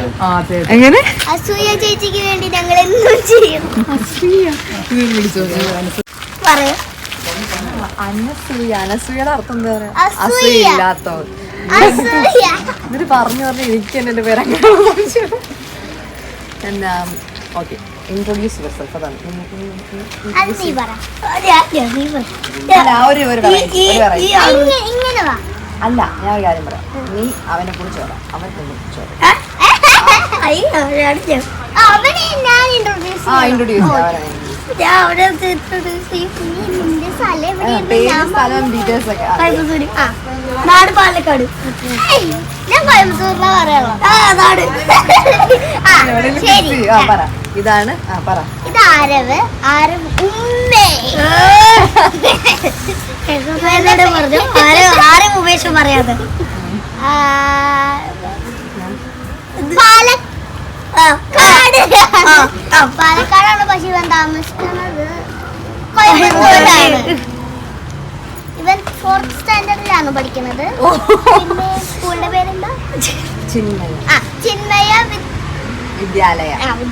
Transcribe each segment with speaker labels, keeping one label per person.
Speaker 1: എങ്ങനെ
Speaker 2: അസൂയ ചേച്ചിക്ക് വേണ്ടി ഞങ്ങൾ എന്തും ചെയ്യും.
Speaker 1: അനസൂയയുടെ അർത്ഥം എന്താ പറയാ? അസൂയില്ലാത്തവർ. എന്നിട്ട് പറഞ്ഞു എനിക്ക് എന്നെ പേര് എന്നാ. Okay, introduce yourself. അതാണ് അല്ല, ഞാൻ ഒരു കാര്യം പറയാം. നീ അവനെ കുറിച്ച് പറയാം, അവൻ നിന്നെ കുറിച്ച് പറയാം.
Speaker 2: നാട് പാലക്കാട്. ഞാൻ കോയമ്പത്തൂരിലാ പറയാ.
Speaker 1: ഇതാണ്
Speaker 2: ഇത് ആരവ്. ആരവ് ഉമ്മേ ആരും ഉപേക്ഷം പറയാതെ. പാലക്കാടാണ്, പക്ഷെ ഇവൻ താമസിക്കുന്നത് കോയമ്പത്തൂരാണ്. ഇവൻ 4th സ്റ്റാൻഡേർഡിലാണ് പഠിക്കുന്നത്. പിന്നെ സ്കൂളിന്റെ പേരെന്താ? ചിന്മയ
Speaker 1: വിദ്യാലയ.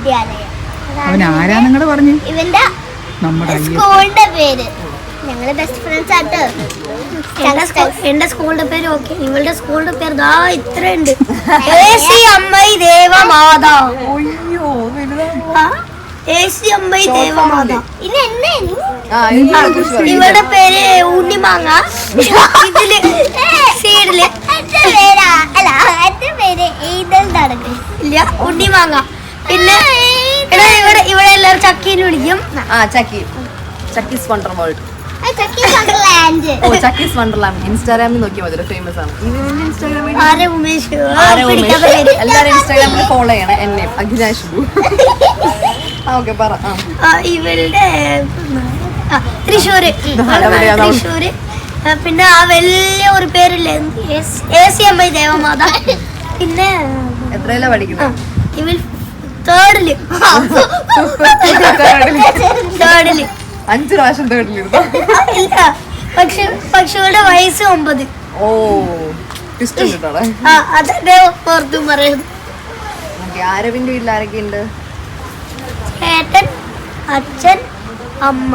Speaker 2: ഇവന്റെ സ്കൂളിന്റെ പേര്. ഞങ്ങള് ബെസ്റ്റ് ഫ്രണ്ട്സ് ആട്ടോ. എന്റെ സ്കൂളിന്റെ പേര് ഓക്കെ. ഇവളുടെ സ്കൂളിന്റെ പേര് ദാ ഇത്രയുണ്ട്. അമ്മൈ ദേവമാതാ. അമ്മൈ ദേവമാതാ. ഇവളുടെ പേര് ഉണ്ണിമാങ്ങ. ഇതില് സൈഡില് ഇല്ല ഉണ്ണിമാങ്ങ. പിന്നെ ഇവിടെ എല്ലാവരും ചക്കീന്ന് വിളിക്കും.
Speaker 1: Chakkis wonder world. ഓ, ചക്കീസ് വണ്ടർലാൻഡ്. ഇൻസ്റ്റാഗ്രാമിൽ നോക്കിയാൽ മതി, ഫേമസ് ആണ്. എല്ലാവരും ഇൻസ്റ്റാഗ്രാമിൽ ഫോളോ ചെയ്യണം എന്നെ, അഖിലാഷ്. ഓക്കെ, പറ.
Speaker 2: ഇവളുടെ തൃശ്ശൂര്. പിന്നെ ആ വലിയ ഒരു പേരില്ലേ, അമ്മൈ ദേവമാത. പിന്നെ
Speaker 1: എത്രയിലാ പഠിക്കുന്നത്?
Speaker 2: ഇവൾ തേർഡില്.
Speaker 1: 5 പ്രാവശ്യം തേർഡിലിരുന്നു.
Speaker 2: ഇല്ല, പക്ഷികളുടെ വയസ്സ് 9.
Speaker 1: ഓ,
Speaker 2: അതെ പുറത്തും പറയുന്നു.
Speaker 1: ആരവിന്റെ വീട്ടിൽ ആരൊക്കെ ഉണ്ട്?
Speaker 2: ചേട്ടൻ, അച്ഛൻ, അമ്മ.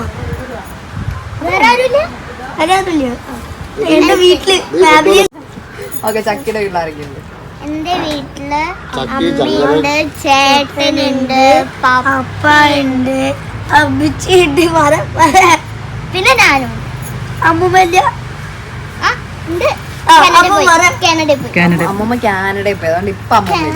Speaker 2: എന്റെ വീട്ടില് ഫാമിലി.
Speaker 1: ഓക്കെ, ചക്കിയുടെ വീട്ടിൽ ആരൊക്കെ ഉണ്ട്?
Speaker 2: എന്റെ വീട്ടില് അമ്മയുണ്ട്, ചേട്ടനുണ്ട്, പപ്പ ഉണ്ട്, അമ്മച്ചിയുണ്ട്, പിന്നെ ഞാനും. അമ്മൂമ്മ
Speaker 1: അമ്മമ്മ കാനഡയിൽ പോയി, അതുകൊണ്ട് ഇപ്പൊ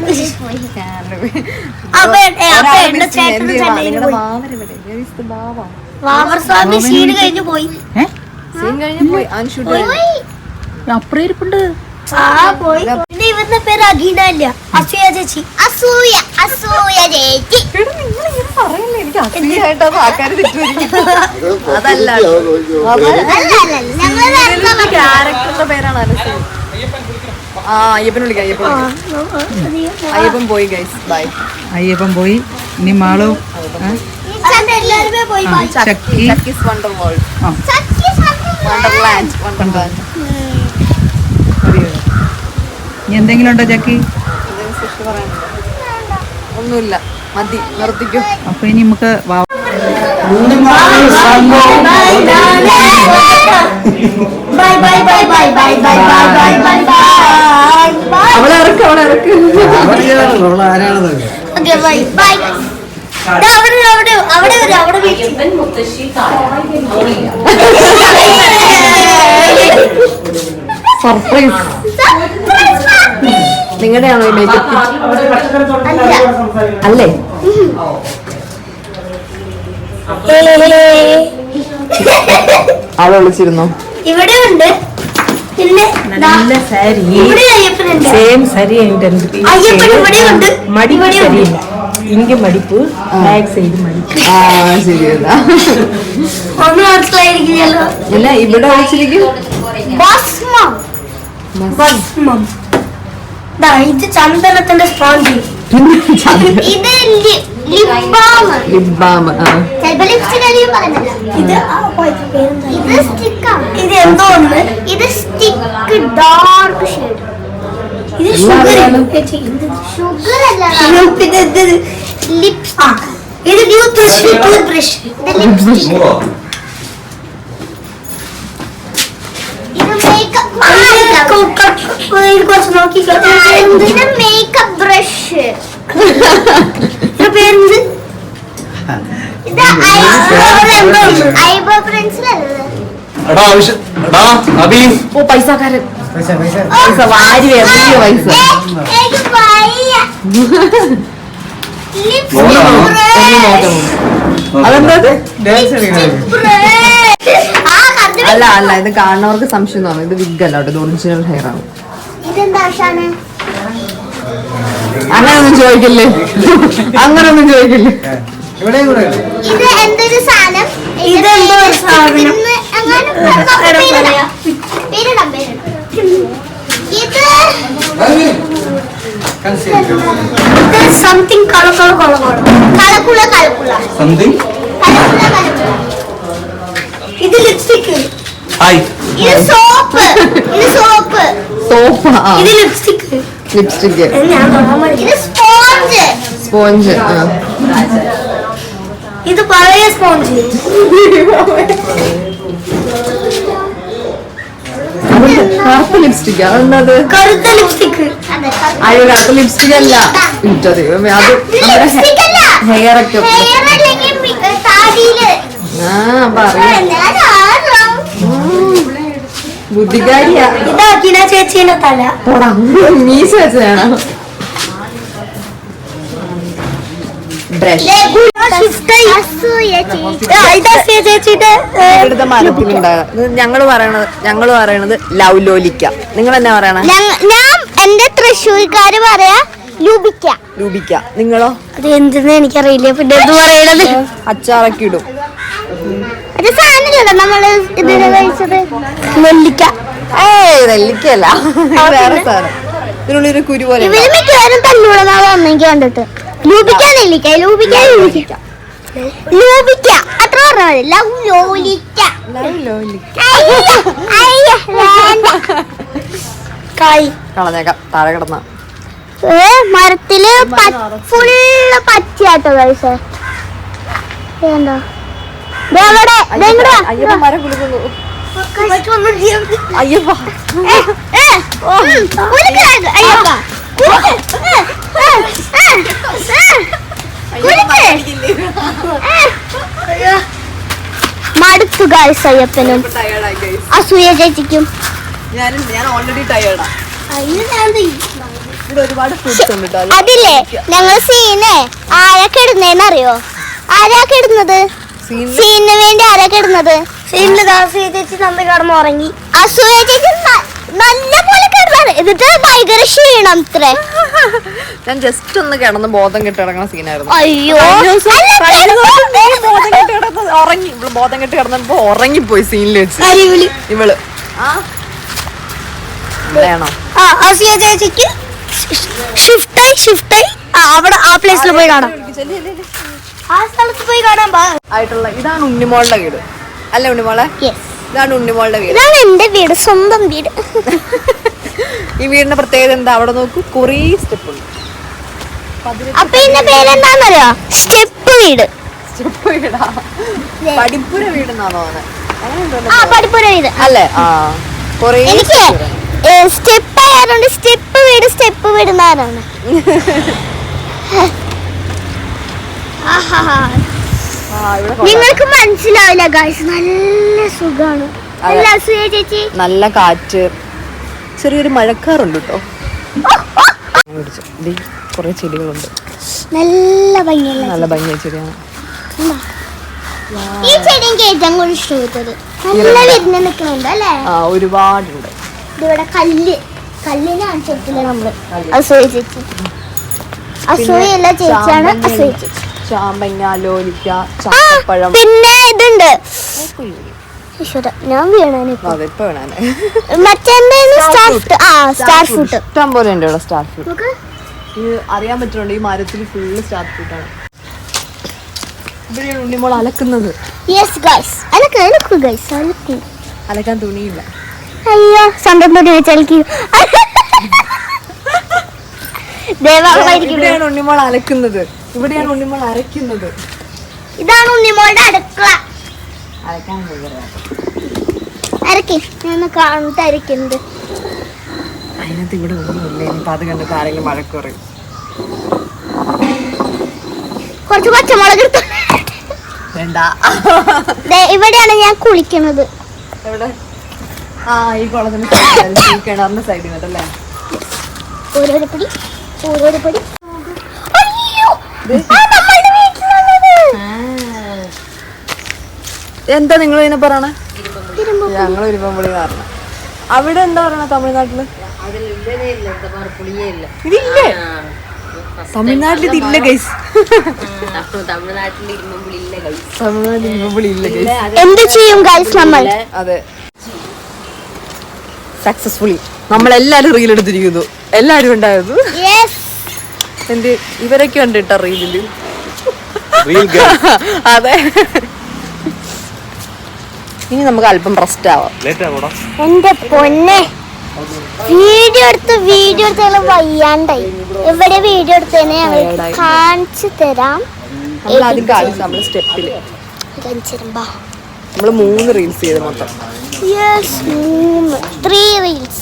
Speaker 2: വാവർസ്വാമി സീൻ കഴിഞ്ഞു പോയി.
Speaker 1: അവൻ ഷൂട്ട്
Speaker 3: അപ്പുറയിരിപ്പുണ്ട്.
Speaker 2: പിന്നെ ഇവരുടെ പേര് അഖീന അല്ല, അസൂയ ചേച്ചി. അസൂയ ചേച്ചി.
Speaker 1: എനിക്ക് അസൂയായിട്ടത് ആൾക്കാര് തെറ്റുമായിരിക്കും. അതല്ല, ക്യാരക്ടറിന്റെ പേരാണ് അനസൂയ. അയ്യപ്പൻ വിളിക്കാം. അയ്യപ്പൻ പോയി ഗൈസ്, ബൈ.
Speaker 3: അയ്യപ്പൻ പോയി. ഇനി മാളു
Speaker 2: പോയി.
Speaker 1: Chakkis wonder world, wonderland.
Speaker 3: ഇനി എന്തെങ്കിലും ഉണ്ടോ ചക്കി?
Speaker 1: ഒന്നുമില്ല, മതി, നിർത്തിക്കോ.
Speaker 3: അപ്പൊ ഇനി നമുക്ക്
Speaker 1: അവളെ ഇറക്ക്. സർപ്രൈസ്. നിങ്ങളുടെയാണോ ഈ മേക്കപ്പ്? അല്ലേ? ആളെ വിളിച്ചിരുന്നോ?
Speaker 2: ഇവിടെ ഉണ്ട്. പിന്നെ
Speaker 3: നല്ല സാരി, സെയിം സാരി. മടിപ്പ് ശരിയില്ല, ഇങ്ങ മടിപ്പ്, ബാക്ക് സൈഡ് മടിപ്പ്.
Speaker 1: ശരിയല്ല,
Speaker 2: ഒന്നും മനസ്സിലായിരിക്കില്ലല്ലോ.
Speaker 1: ഇല്ല, ഇവിടെ വെച്ചിരിക്കും.
Speaker 2: ഇത് ചന്ദനത്തിന്റെ സ്പോഞ്ച്. ഇത് ലിപ് ബാം. ഇത് എന്തോ ഉണ്ട്. ഇത് സ്റ്റിക്ക് ഡാർക്ക് ഷെയ്ഡ്. ഇത് ഷുഗർ അല്ല, പിന്നെ ലിപ്സ് ഇത് ടൂത്ത് ബ്രഷ് ഇത് ലിപ്സ്റ്റിക് ഇത് മേക്കപ്പ് കുറച്ച് നോക്കി മേക്കപ്പ് ബ്രഷ് ഇത് പേരെന്ത് ഇത് ഐബ്രോ പെൻസിലല്ലേ
Speaker 1: ഓ പൈസക്കാരൻ പൈസ വാരി എറിയ പൈസ അതെന്താ അല്ല അല്ല ഇത് കാണുന്നവർക്ക് സംശയം തോന്നും ഇത് വിഗ് അല്ല ഇത് ഒറിജിനൽ ഹെയർ ആണ് അങ്ങനൊന്നും ചോദിക്കില്ലേ അങ്ങനൊന്നും ചോദിക്കില്ലേ
Speaker 2: ഇത് എന്തൊരു സാധനം ഇതെന്തോ സാധനം ഇത് സംതിങ് ഇത് ലിപ്സ്റ്റിക് ഇത് സോപ്പ് ഇത് ലിപ്സ്റ്റിക് ഇത്
Speaker 1: സ്പോഞ്ച്
Speaker 2: ഇത് പഴയ സ്പോഞ്ച്
Speaker 1: കറുപ്പ് ലിപ്സ്റ്റിക് അതെന്നത്
Speaker 2: കറുത്ത ലിപ്സ്റ്റിക്
Speaker 1: അയ്യോ കറുത്ത ലിപ്സ്റ്റിക് അല്ല ഇട്ടോ ദൈവമേ അത് നമ്മുടെ ഹെയർ ഒക്കെ ബുദ്ധികാരിയാ
Speaker 2: ഇതാക്കിന ചേച്ചീന്റെ തല
Speaker 1: പോടാ മീശ വെച്ചതാണോ ബ്രഷ് ഇവിടുത്തെ മരത്തിലുണ്ടായത് ഞങ്ങള് പറയണത് ലവ് ലോലിക്ക നിങ്ങൾ എന്നാ പറയണ
Speaker 2: ഞാൻ എന്റെ തൃശ്ശൂർക്കാര് പറയാ
Speaker 1: രൂപിക്ക നിങ്ങളോ
Speaker 2: അത് എന്തെന്ന് എനിക്കറിയില്ല പിന്നെ എന്ത് പറയണത്
Speaker 1: അച്ചാറൊക്കെ ഇടും
Speaker 2: അത് സാധനമല്ലോ നമ്മള് ഇതിന് കഴിച്ചത് നെല്ലിക്ക
Speaker 1: നെല്ലിക്കല്ല വേറെ സാധനം ഇതിനുള്ളിൽ കുരു പോലെ
Speaker 2: ഇവര് മിക്കവാറും തല്ലുകൂടുന്നാണ് അന്നെനിക്ക് കണ്ടിട്ട് ലൂപിക്ക നെല്ലിക്ക ലൂപിക്ക അത്ര പറഞ്ഞാൽ ലവ് ലോലിക്ക കായ്
Speaker 1: കളഞ്ഞേക്കാം താഴെ കിടന്ന
Speaker 2: മരത്തില് ഫുള്ള് പച്ചയാട്ടോ കഴിച്ച എന്താ
Speaker 1: അയ്യപ്പ മരം കുലുക്കുന്നു അയ്യപ്പ
Speaker 2: മടുത്തു ഗൈസ് അയ്യപ്പനും അസൂയ ചേച്ചിക്കും
Speaker 1: ഞാൻ ഓൾറെഡി ടയേർഡാ ഒരുപാട്
Speaker 2: അതില്ലേ ഞങ്ങൾ സീനെ ആരൊക്കെ ഇടുന്നേന്നറിയോ ആരാക്കെ ഇടുന്നത് സീനിന് വേണ്ടി ആരൊക്കെ ഇടുന്നത് സീനില് അസൂയ ചേച്ചി നന്ദി കടന്ന് ഉറങ്ങി അസൂയ ചേച്ചി നല്ല പോലെ കിടന്നാണ് എന്നിട്ട് ഭയങ്കര ക്ഷീണം ഇത്രേ
Speaker 1: ഞാൻ ജസ്റ്റ് ഒന്ന് കിടന്ന് ബോധം കെട്ട് കിടക്കുന്ന സീനായിരുന്നു
Speaker 2: അയ്യോ
Speaker 1: ബോധം കെട്ട് കിടന്നപ്പോ ഉറങ്ങിപ്പോയി സീനിൽ വെച്ച് ഇവള് വേണോ
Speaker 2: അസൂയ ചേച്ചിക്ക് ഷിഫ്റ്റായി അവിടെ ആ പ്ലേസിൽ പോയി കാണാം ആ സ്ഥലത്ത് പോയി കാണാൻ
Speaker 1: ആയിട്ടുള്ള ഇതാണ് ഉണ്ണിമോളുടെ വീട് അല്ലേ ഉണ്ണിമോളെ ഇതാണ് ഉണ്ണിമോളുടെ വീട്
Speaker 2: ഇതാണ് എന്റെ വീട് സ്വന്തം വീട്
Speaker 1: ഈ വീടിന്റെ പ്രത്യേകത എന്താ അവിടെ നോക്കൂ കുറേ സ്റ്റെപ്പ് ഉണ്ട്
Speaker 2: അപ്പൊ ഇതിന്റെ പേരെന്താന്നറിയോ സ്റ്റെപ്പ് വീട്
Speaker 1: വീടാ പടിപ്പുര വീടെന്നാണോ
Speaker 2: പടിപ്പുര വീട്
Speaker 1: അല്ലേ കുറേ
Speaker 2: എനിക്ക് സ്റ്റെപ്പ് ആയതുകൊണ്ട് സ്റ്റെപ്പ് വീട് എന്നാണ് നിങ്ങൾക്ക് മനസ്സിലാവില്ല ഗൈസ് നല്ല സുഖാണ് അല്ല അസൂയ ചേച്ചി
Speaker 1: നല്ല കാറ്റ് ചെറിയൊരു മഴക്കാറുണ്ട് കേട്ടോ കുറെ ചെടികളുണ്ട്
Speaker 2: നല്ല ഭംഗിയുള്ള
Speaker 1: നല്ല ഭംഗിയ ചെടിയാണ്
Speaker 2: ഈ ചെടി എനിക്ക് ഏറ്റവും കൂടുതൽ ഇഷ്ടപ്പെട്ടത് നല്ല വിരിഞ്ഞ് നിൽക്കുന്നുണ്ട് അല്ലേ
Speaker 1: ഒരുപാടുണ്ട്
Speaker 2: ഇവിടെ കല്ലിനാണ് ചെറുത്തില്ല നമ്മള് അസൂയ ചേച്ചി അസൂയല്ല ചേച്ചിയാണ് അസൂയ ചേച്ചി
Speaker 1: ചാമ്പങ്ങ ലോലിക്ക ചാമ്പഴം
Speaker 2: പിന്നെ ഇതുണ്ട് ഞാൻ സ്റ്റാർ ഫ്രൂട്ട്
Speaker 1: ഇഷ്ടം പോലെ ഉണ്ട് ഇവിടെ സ്റ്റാർ ഫ്രൂട്ട് അറിയാൻ പറ്റുന്നുണ്ട് ഈ മരത്തിൽ ഫുള്ള് സ്റ്റാർ ഫ്രൂട്ടാണ് ഇവിടെയാണ് ഉണ്ണിമോൾ അലക്കുന്നത് അലക്കാൻ തുണിയില്ല
Speaker 2: അയ്യോ സ്വന്തം തുണി വെച്ചലക്കി
Speaker 1: ഇവിടെയാണ് ഉണ്ണിമോൾ അലക്കുന്നത്, ഇവിടെയാണ് ഉണ്ണിമോൾ അരയ്ക്കുന്നത്.
Speaker 2: ഇതാണ് ഉണ്ണിമോളുടെ അടുക്കള.
Speaker 1: അരയ്ക്കാൻ
Speaker 2: അരക്കി ഞാൻ കാണുന്നത് അരക്കുന്നത്.
Speaker 1: അതിനകത്ത് ഇവിടെ ഒന്നുമില്ല. ഇനിയിപ്പോ അത് കണ്ടിട്ട് ആരെങ്കിലും വഴക്ക് പറയും.
Speaker 2: കുറച്ച് പച്ചമുളക്
Speaker 1: വേണ്ട.
Speaker 2: ഇവിടെയാണ് ഞാൻ കുളിക്കുന്നത്.
Speaker 1: എവിടെ? ആ ഈ കുളത്തിന് ഈ കിണറിന്റെ സൈഡിൽ നിന്നല്ലേ.
Speaker 2: ഓരോരോ പടി.
Speaker 1: എന്താ നിങ്ങൾ ഇതിനെ പറയണേ? ഞങ്ങൾ ഇരുമ്പുളി കാരണം. അവിടെ എന്താ പറയണ തമിഴ്നാട്ടില്? ഇതില്ലേ? തമിഴ്നാട്ടിൽ ഇതില്ല ഗൈസ്. തമിഴ്നാട്ടിൽ ഇരുമ്പുളി ഇല്ല ഗൈസ്.
Speaker 2: എന്ത് ചെയ്യും ഗൈസ് നമ്മൾ?
Speaker 1: അതെ, സക്സസ്ഫുള്ളി നമ്മളെല്ലാരും റീൽ എടുത്തിരിക്കുന്നു. എല്ലാരും ഉണ്ടായിരുന്നു. എന്ത് ഇവരൊക്കെ ഉണ്ട് കേട്ടോ റീലില്. അതെ, ഇനി നമുക്ക് അല്പം റെസ്റ്റ് ആവാം.
Speaker 2: എന്റെ പൊന്നെ, വീഡിയോ എടുത്ത് വയ്യാണ്ടായി. ഇവിടെ വീഡിയോ എടുത്തതിനെ ഞങ്ങൾ കാണിച്ചു തരാം.
Speaker 1: നമ്മളാദ്യം കാണിച്ചു. നമ്മള് സ്റ്റെപ്പില് നമ്മള് 3 റീൽസ് ചെയ്ത് മൊത്തം.
Speaker 2: 3 റീൽസ്.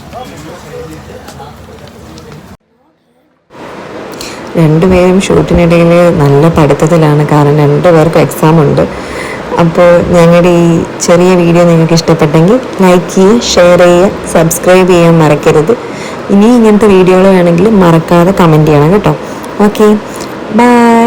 Speaker 4: രണ്ടുപേരും ഷൂട്ടിനിടയിൽ നല്ല പഠിത്തത്തിലാണ്, കാരണം 2 പേർക്കും എക്സാം ഉണ്ട്. അപ്പോൾ ഞങ്ങളുടെ ഈ ചെറിയ വീഡിയോ നിങ്ങൾക്ക് ഇഷ്ടപ്പെട്ടെങ്കിൽ ലൈക്ക് ചെയ്യുക, ഷെയർ ചെയ്യുക, സബ്സ്ക്രൈബ് ചെയ്യാൻ മറക്കരുത്. ഇനി ഇങ്ങനത്തെ വീഡിയോകൾ വേണമെങ്കിൽ മറക്കാതെ കമൻറ്റ് ചെയ്യണം കേട്ടോ. Okay, by.